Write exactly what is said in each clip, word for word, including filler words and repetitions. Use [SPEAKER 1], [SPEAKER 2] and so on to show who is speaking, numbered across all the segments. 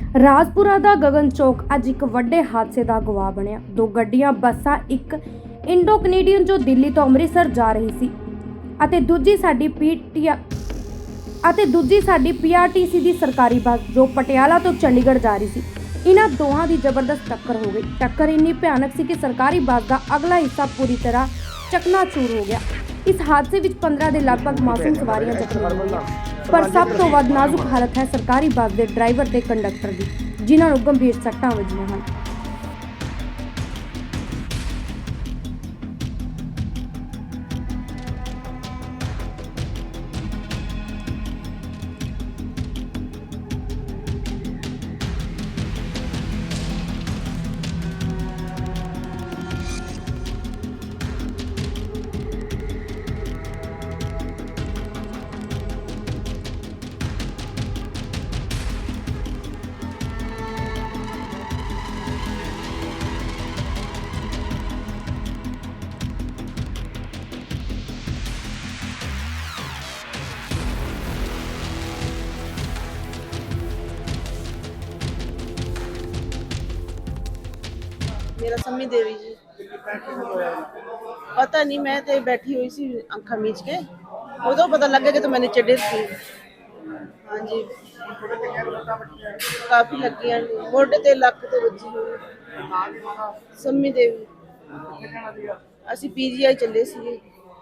[SPEAKER 1] ਰਾਜਪੁਰਾ ਦਾ ਗगन ਚੌਕ ਅੱਜ ਇੱਕ ਵੱਡੇ ਹਾਦਸੇ ਦਾ ਗਵਾਹ ਬਣਿਆ। ਦੋ ਗੱਡੀਆਂ ਬੱਸਾਂ, ਇੱਕ ਇੰਡੋ ਕੈਨੇਡੀਅਨ ਜੋ ਦਿੱਲੀ ਤੋਂ ਅੰਮ੍ਰਿਤਸਰ ਜਾ ਰਹੀ ਸੀ ਅਤੇ ਦੂਜੀ ਸਾਡੀ ਪੀਟੀਆ ਅਤੇ ਦੂਜੀ ਸਾਡੀ ਪੀਆਰਟੀਸੀ ਦੀ ਸਰਕਾਰੀ ਬੱਸ ਜੋ ਪਟਿਆਲਾ ਤੋਂ ਚੰਡੀਗੜ੍ਹ ਜਾ ਰਹੀ ਸੀ। ਇਹਨਾਂ ਦੋਹਾਂ ਦੀ ਜ਼ਬਰਦਸਤ ਟੱਕਰ ਹੋ ਗਈ। ਟੱਕਰ ਇੰਨੀ ਭਿਆਨਕ ਸੀ ਕਿ ਸਰਕਾਰੀ ਬੱਸ ਦਾ ਅਗਲਾ ਹਿੱਸਾ ਪੂਰੀ ਤਰ੍ਹਾਂ ਚਕਨਾਚੂਰ ਹੋ ਗਿਆ। ਇਸ ਹਾਦਸੇ ਵਿੱਚ ਪੰਦਰਾਂ ਦੇ ਲਗਭਗ ਮਾਸੂਮ ਸਵਾਰੀਆਂ ਜ਼ਖਮੀ ਹੋਈਆਂ, ਪਰ ਸਭ ਤੋਂ ਵੱਧ ਨਾਜ਼ੁਕ ਹਾਲਤ ਹੈ ਸਰਕਾਰੀ ਬੱਸ ਦੇ ਡਰਾਈਵਰ ਤੇ ਕੰਡਕਟਰ ਦੀ, ਜਿਨ੍ਹਾਂ ਨੂੰ ਗੰਭੀਰ ਸੱਟਾਂ ਵੱਜੀਆਂ ਹਨ।
[SPEAKER 2] मेरा सम्मी देवी जी पता नहीं, मैं तो बैठी हुई सी अखा मीच के, उदो पता लग गया कि तो मैंने चढ़े थी। हाँ जी, काफ़ी लगी मोटे ते लक ते बजी हुई। सम्मी देवी असी पीजीआई चले सी।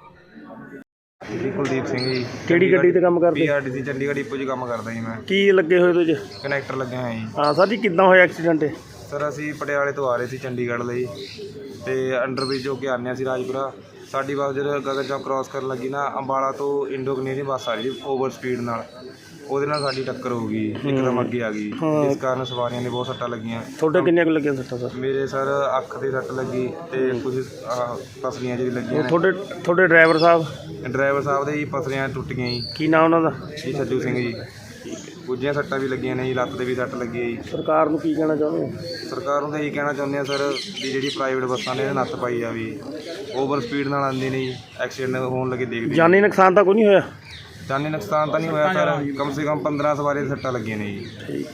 [SPEAKER 3] ਜੀ ਕੁਲਦੀਪ ਸਿੰਘ ਜੀ।
[SPEAKER 4] ਕਿਹੜੀ ਗੱਡੀ ਤੇ ਕੰਮ ਕਰਦੇ?
[SPEAKER 3] ਪੀਆਰਟੀਸੀ ਚੰਡੀਗੜ੍ਹ ਇਪੋ 'ਚ ਕੰਮ ਕਰਦਾ ਜੀ ਮੈਂ।
[SPEAKER 4] ਕੀ ਲੱਗੇ ਹੋਏ ਤੁਸੀਂ?
[SPEAKER 3] ਕਨੈਕਟਰ ਲੱਗਿਆ ਹੋਇਆ ਜੀ।
[SPEAKER 4] ਹਾਂ ਸਰ ਜੀ, ਕਿੱਦਾਂ ਹੋਇਆ ਐਕਸੀਡੈਂਟ?
[SPEAKER 3] ਸਰ ਅਸੀਂ ਪਟਿਆਲੇ ਤੋਂ ਆ ਰਹੇ ਸੀ ਚੰਡੀਗੜ੍ਹ ਲਈ ਤੇ ਅੰਡਰਬ੍ਰਿਜ ਹੋ ਕੇ ਆਉਂਦੇ ਸੀ ਰਾਜਪੁਰਾ। ਸਾਡੀ ਬੱਸ ਜਦੋਂ ਗਗਨ ਚੌਕ ਕ੍ਰਾਸ ਕਰਨ ਲੱਗੀ ਨਾ, ਅੰਬਾਲਾ ਤੋਂ ਇੰਡੋ ਕੈਨੇਡੀਅਨ ਬੱਸ ਆ ਰਹੀ ਸੀ ਓਵਰ ਸਪੀਡ ਨਾਲ, ਉਹਦੇ ਨਾਲ ਸਾਡੀ ਟੱਕਰ ਹੋ ਗਈ, ਇੱਕਦਮ ਅੱਗੇ ਆ ਗਈ, ਜਿਸ ਕਾਰਨ ਸਵਾਰੀਆਂ ਨੇ ਬਹੁਤ ਸੱਟਾਂ ਲੱਗੀਆਂ।
[SPEAKER 4] ਤੁਹਾਡੇ ਕਿੰਨੀਆਂ ਕੁ ਲੱਗੀਆਂ ਸੱਟਾਂ ਸਰ?
[SPEAKER 3] ਮੇਰੇ ਸਰ ਅੱਖ ਤੇ ਸੱਟ ਲੱਗੀ ਤੇ ਕੁਝ ਪਸਲੀਆਂ 'ਚ ਵੀ ਲੱਗੀਆਂ।
[SPEAKER 4] ਤੁਹਾਡੇ ਤੁਹਾਡੇ ਡਰਾਈਵਰ ਸਾਹਿਬ?
[SPEAKER 3] ਡਰਾਈਵਰ ਸਾਹਿਬ ਦੇ ਜੀ ਪਸਲੀਆਂ ਟੁੱਟ ਗਈਆਂ ਜੀ।
[SPEAKER 4] ਕੀ ਨਾਮ ਉਹਨਾਂ ਦਾ?
[SPEAKER 3] ਜੀ ਸੱਜੂ ਸਿੰਘ ਜੀ। ਗੁੱਜੀਆਂ ਸੱਟਾਂ ਵੀ ਲੱਗੀਆਂ ਨੇ ਜੀ, ਲੱਤ 'ਤੇ ਵੀ ਸੱਟ ਲੱਗੀ ਹੈ ਜੀ।
[SPEAKER 4] ਸਰਕਾਰ ਨੂੰ ਕੀ ਕਹਿਣਾ ਚਾਹੁੰਦੇ ਹੋ?
[SPEAKER 3] ਸਰਕਾਰ ਨੂੰ ਤਾਂ ਇਹੀ ਕਹਿਣਾ ਚਾਹੁੰਦੇ ਆ ਸਰ ਵੀ ਜਿਹੜੀ ਪ੍ਰਾਈਵੇਟ ਬੱਸਾਂ ਨੇ ਨੱਥ ਪਾਈ ਜਾਵੇ। ਓਵਰ ਸਪੀਡ ਨਾਲ ਆਉਂਦੀ ਨੇ ਜੀ, ਐਕਸੀਡੈਂਟ ਹੋਣ ਲੱਗੇ ਦੇਖਦੇ।
[SPEAKER 4] ਜਾਨੀ ਨੁਕਸਾਨ ਤਾਂ ਕੋਈ ਨਹੀਂ ਹੋਇਆ?
[SPEAKER 3] ਜਾਨੀ ਨੁਕਸਾਨ ਤਾਂ ਨਹੀਂ ਹੋਇਆ ਸਰ, ਕਮ ਸੇ ਕਮ ਪੰਦਰਾਂ ਸਵਾਰੀ ਦੀਆਂ ਸੱਟਾਂ ਲੱਗੀਆਂ ਨੇ ਜੀ।
[SPEAKER 4] ਠੀਕ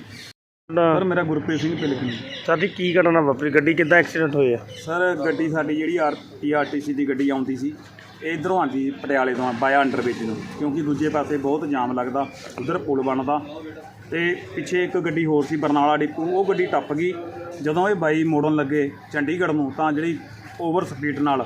[SPEAKER 5] ਸਰ ਮੇਰਾ ਗੁਰਪ੍ਰੀਤ ਸਿੰਘ ਪਿਲਕਣੀ।
[SPEAKER 4] ਸਰ ਜੀ ਕੀ ਘਟਨਾ ਵਾਪਰੀ? ਗੱਡੀ ਕਿੱਦਾਂ ਐਕਸੀਡੈਂਟ ਹੋਇਆ?
[SPEAKER 5] ਸਰ ਗੱਡੀ ਸਾਡੀ ਜਿਹੜੀ R T R T C ਦੀ ਗੱਡੀ ਆਉਂਦੀ ਸੀ, ਇੱਧਰੋਂ ਆਉਂਦੀ ਪਟਿਆਲੇ ਤੋਂ ਬਾਇਆ ਅੰਡਰਬ੍ਰਿਜ ਨੂੰ, ਕਿਉਂਕਿ ਦੂਜੇ ਪਾਸੇ ਬਹੁਤ ਜਾਮ ਲੱਗਦਾ, ਉੱਧਰ ਪੁਲ ਬਣਦਾ ਤੇ ਪਿੱਛੇ ਇੱਕ ਗੱਡੀ ਹੋਰ ਸੀ ਬਰਨਾਲਾ ਡਿਪੂ, ਉਹ ਗੱਡੀ ਟੱਪ ਗਈ। ਜਦੋਂ ਇਹ ਬਾਈ ਮੋੜਨ ਲੱਗੇ ਚੰਡੀਗੜ੍ਹ ਨੂੰ ਤਾਂ ਜਿਹੜੀ ਓਵਰ ਸਪੀਡ ਨਾਲ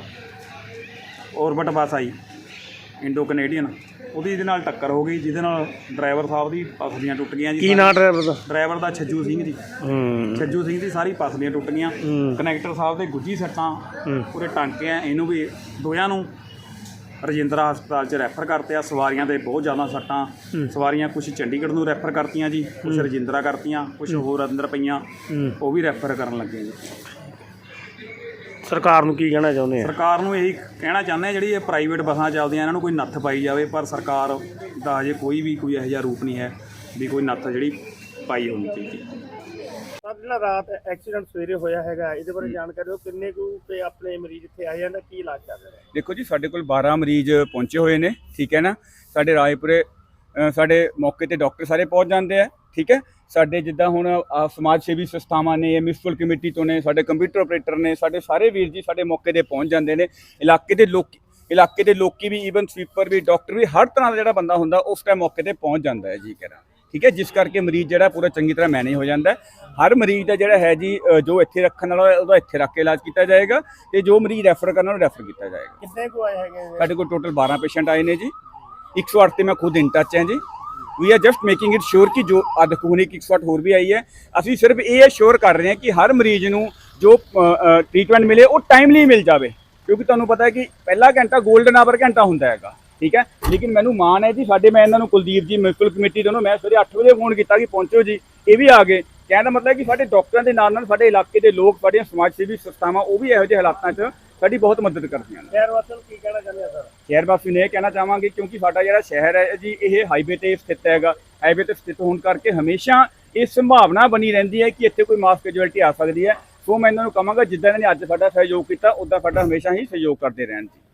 [SPEAKER 5] ਔਰਬਿਟ ਬੱਸ ਆਈ ਇੰਡੋ ਕੈਨੇਡੀਅਨ, ਉਹਦੀ ਇਹਦੇ ਨਾਲ ਟੱਕਰ ਹੋ ਗਈ, ਜਿਹਦੇ ਨਾਲ ਡਰਾਈਵਰ ਸਾਹਿਬ ਦੀ ਪਸਲੀਆਂ ਟੁੱਟ ਗਈਆਂ ਜੀ।
[SPEAKER 4] ਕੀ ਨਾਂ ਡਰਾਈਵਰ ਦਾ?
[SPEAKER 5] ਡਰਾਈਵਰ ਦਾ ਛੱਜੂ ਸਿੰਘ ਜੀ।
[SPEAKER 4] ਹੂੰ
[SPEAKER 5] ਛੱਜੂ ਸਿੰਘ ਦੀ ਸਾਰੀ ਪਸਲੀਆਂ ਟੁੱਟ ਗਈਆਂ। ਕਨੈਕਟਰ ਸਾਹਿਬ ਦੇ ਗੁੱਜੀ ਸੱਟਾਂ, ਪੂਰੇ ਟਾਂਕੇ ਆ, ਇਹਨੂੰ ਵੀ ਦੋਹਾਂ ਨੂੰ ਰਜਿੰਦਰਾ ਹਸਪਤਾਲ 'ਚ ਰੈਫਰ ਕਰਤੇ ਆ। ਸਵਾਰੀਆਂ ਦੇ ਬਹੁਤ ਜ਼ਿਆਦਾ ਸੱਟਾਂ, ਸਵਾਰੀਆਂ ਕੁਛ ਚੰਡੀਗੜ੍ਹ ਨੂੰ ਰੈਫਰ ਕਰਤੀਆਂ ਜੀ, ਕੁਛ ਰਜਿੰਦਰਾ ਕਰਤੀਆਂ, ਕੁਛ ਹੋਰ ਅੰਦਰ ਪਈਆਂ, ਉਹ ਵੀ ਰੈਫਰ ਕਰਨ ਲੱਗੇ ਜੀ।
[SPEAKER 4] ਸਰਕਾਰ ਨੂੰ ਕੀ ਕਹਿਣਾ ਚਾਹੁੰਦੇ ਆ?
[SPEAKER 5] ਸਰਕਾਰ ਨੂੰ ਇਹੀ ਕਹਿਣਾ ਚਾਹੁੰਦੇ ਆ, ਜਿਹੜੀ ਇਹ ਪ੍ਰਾਈਵੇਟ ਬੱਸਾਂ ਚੱਲਦੀਆਂ ਇਹਨਾਂ ਨੂੰ ਕੋਈ ਨੱਥ ਪਾਈ ਜਾਵੇ, ਪਰ ਸਰਕਾਰ ਦਾ ਅਜੇ ਕੋਈ ਵੀ ਕੋਈ ਇਹੋ ਜਿਹਾ ਰੂਪ ਨਹੀਂ ਹੈ ਵੀ ਕੋਈ ਨੱਥ ਜਿਹੜੀ ਪਾਈ ਹੋਣੀ ਚਾਹੀਦੀ।
[SPEAKER 4] ਸਰ ਜਿਹੜਾ ਰਾਤ ਐਕਸੀਡੈਂਟ ਸਵੇਰੇ ਹੋਇਆ ਹੈਗਾ, ਇਹਦੇ ਬਾਰੇ ਜਾਣਕਾਰੀ ਦਿਓ। ਕਿੰਨੇ ਕੁ ਤੇ ਆਪਣੇ ਮਰੀਜ਼ ਇੱਥੇ ਆਏ ਜਾਂਦੇ, ਕੀ ਇਲਾਜ ਚੱਲ ਰਿਹਾ?
[SPEAKER 6] ਦੇਖੋ ਜੀ, ਸਾਡੇ ਕੋਲ ਬਾਰਾਂ ਮਰੀਜ਼ ਪਹੁੰਚੇ ਹੋਏ ਨੇ, ਠੀਕ ਹੈ ਨਾ। ਸਾਡੇ ਰਾਏਪੁਰੇ ਸਾਡੇ ਮੌਕੇ ਤੇ ਡਾਕਟਰ ਸਾਰੇ ਪਹੁੰਚ ਜਾਂਦੇ ਆ, ਠੀਕ ਹੈ। ਸਾਡੇ ਜਿੱਦਾਂ ਹੁਣ ਸਮਾਜ ਸੇਵੀ ਸੰਸਥਾਵਾਂ ਨੇ, ਮਿਊਨਿਸਪਲ ਕਮੇਟੀ ਤੋਂ ਨੇ, ਸਾਡੇ ਕੰਪਿਊਟਰ ਆਪਰੇਟਰ ਨੇ, ਸਾਡੇ ਸਾਰੇ ਵੀਰ ਜੀ ਸਾਡੇ ਮੌਕੇ ਤੇ ਪਹੁੰਚ ਜਾਂਦੇ ਨੇ। ਇਲਾਕੇ ਦੇ ਲੋਕ ਇਲਾਕੇ ਦੇ ਲੋਕੀ ਵੀ, ਈਵਨ ਸਵੀਪਰ ਵੀ, ਡਾਕਟਰ ਵੀ, ਹਰ ਤਰ੍ਹਾਂ ਦਾ ਜਿਹੜਾ ਬੰਦਾ ਹੁੰਦਾ ਉਸ ਟਾਈਮ ਮੌਕੇ ਤੇ ਪਹੁੰਚ ਜਾਂਦਾ ਹੈ ਜੀ, ਕਹਿਣਾ ਠੀਕ ਹੈ। ਜਿਸ ਕਰਕੇ ਮਰੀਜ਼ ਜਿਹੜਾ ਪੂਰਾ ਚੰਗੀ ਤਰ੍ਹਾਂ ਮੈਨੇਜ ਹੋ ਜਾਂਦਾ। ਹਰ ਮਰੀਜ਼ ਦਾ ਜਿਹੜਾ ਹੈ ਜੀ, ਜੋ ਇੱਥੇ ਰੱਖਣ ਵਾਲਾ ਉਹਦਾ ਇੱਥੇ ਰੱਖ ਕੇ ਇਲਾਜ ਕੀਤਾ ਜਾਏਗਾ, ਤੇ ਜੋ ਮਰੀਜ਼ ਰੈਫਰ ਕਰਨ ਵਾਲਾ ਰੈਫਰ ਕੀਤਾ ਜਾਏਗਾ।
[SPEAKER 4] ਕਿੰਨੇ ਕੁ ਆਏ ਹੈਗੇ?
[SPEAKER 6] ਸਾਡੇ ਕੋਲ ਟੋਟਲ ਬਾਰਾਂ ਪੇਸ਼ੈਂਟ ਆਏ ਨੇ ਜੀ। ਇੱਕ ਸੌ ਅੱਠ ਤੇ ਮੈਂ ਖੁਦ ਇਨ ਟੱਚ ਹਾਂ ਜੀ। We are just making it sure ਕਿ ਜੋ ਅੱਜ ਹੁਣ ਇੱਕ ਸੌ ਅੱਠ ਹੋਰ ਵੀ ਆਈ ਹੈ। ਅਸੀਂ ਸਿਰਫ ਇਹ ਸ਼ੋਰ ਕਰ ਰਹੇ ਹਾਂ ਕਿ ਹਰ ਮਰੀਜ਼ ਨੂੰ ਜੋ ਟ੍ਰੀਟਮੈਂਟ ਮਿਲੇ ਉਹ ਟਾਈਮਲੀ ਮਿਲ ਜਾਵੇ, ਕਿਉਂਕਿ ਤੁਹਾਨੂੰ ਪਤਾ ਹੈ ਕਿ ਪਹਿਲਾ ਘੰਟਾ ਗੋਲਡਨ ਆਵਰ ਘੰਟਾ ਹੁੰਦਾ ਹੈਗਾ, ਠੀਕ ਹੈ। ਲੇਕਿਨ ਮੈਨੂੰ ਮਾਣ ਹੈ ਜੀ, ਸਾਡੇ ਮੈਂ ਇਹਨਾਂ ਨੂੰ ਕੁਲਦੀਪ ਜੀ ਮਿਊਨਿਸਪਲ ਕਮੇਟੀ ਤੋਂ ਮੈਂ ਸਵੇਰੇ ਅੱਠ ਵਜੇ ਫੋਨ ਕੀਤਾ ਕਿ ਪਹੁੰਚੋ ਜੀ, ਇਹ ਵੀ ਆ ਗਏ। ਕਹਿਣ ਦਾ ਮਤਲਬ ਹੈ ਕਿ ਸਾਡੇ ਡਾਕਟਰਾਂ ਦੇ ਨਾਲ ਨਾਲ ਸਾਡੇ ਇਲਾਕੇ ਦੇ ਲੋਕ, ਸਾਡੀਆਂ ਸਮਾਜ ਸੇਵੀ ਸੰਸਥਾਵਾਂ, ਉਹ ਵੀ ਇਹੋ ਜਿਹੇ ਹਾਲਾਤਾਂ 'ਚ ਸਾਡੀ ਬਹੁਤ ਮਦਦ ਕਰਦੀਆਂ ਨੇ।
[SPEAKER 4] ਸ਼ਹਿਰ ਵਾਸੀਆਂ ਨੂੰ ਕੀ ਕਹਿਣਾ ਚਾਹੁੰਦੇ ਆ ਸਰ?
[SPEAKER 6] ਸ਼ਹਿਰ ਵਾਸੀਆਂ ਨੂੰ ਇਹ ਕਹਿਣਾ ਚਾਹਾਂਗੇ, ਕਿਉਂਕਿ ਸਾਡਾ ਜਿਹੜਾ ਸ਼ਹਿਰ ਹੈ ਜੀ, ਇਹ ਹਾਈਵੇ ਤੇ ਸਥਿਤ ਹੈਗਾ। ਹਾਈਵੇ ਤੇ ਸਥਿਤ ਹੋਣ ਕਰਕੇ ਹਮੇਸ਼ਾ ਇਹ ਸੰਭਾਵਨਾ ਬਣੀ ਰਹਿੰਦੀ ਹੈ ਕਿ ਇੱਥੇ ਕੋਈ ਮਾਸ ਕੈਜੁਅਲਟੀ ਆ ਸਕਦੀ ਹੈ। ਸੋ ਮੈਂ ਇਹਨਾਂ ਨੂੰ ਕਹਾਂਗਾ, ਜਿੱਦਾਂ ਇਹਨਾਂ ਨੇ ਅੱਜ ਸਾਡਾ ਸਹਿਯੋਗ ਕੀਤਾ, ਉੱਦਾਂ ਸਾਡਾ ਹਮੇਸ਼ਾ ਹੀ ਸਹਿਯੋਗ ਕਰਦੇ ਰਹਿਣ ਜੀ।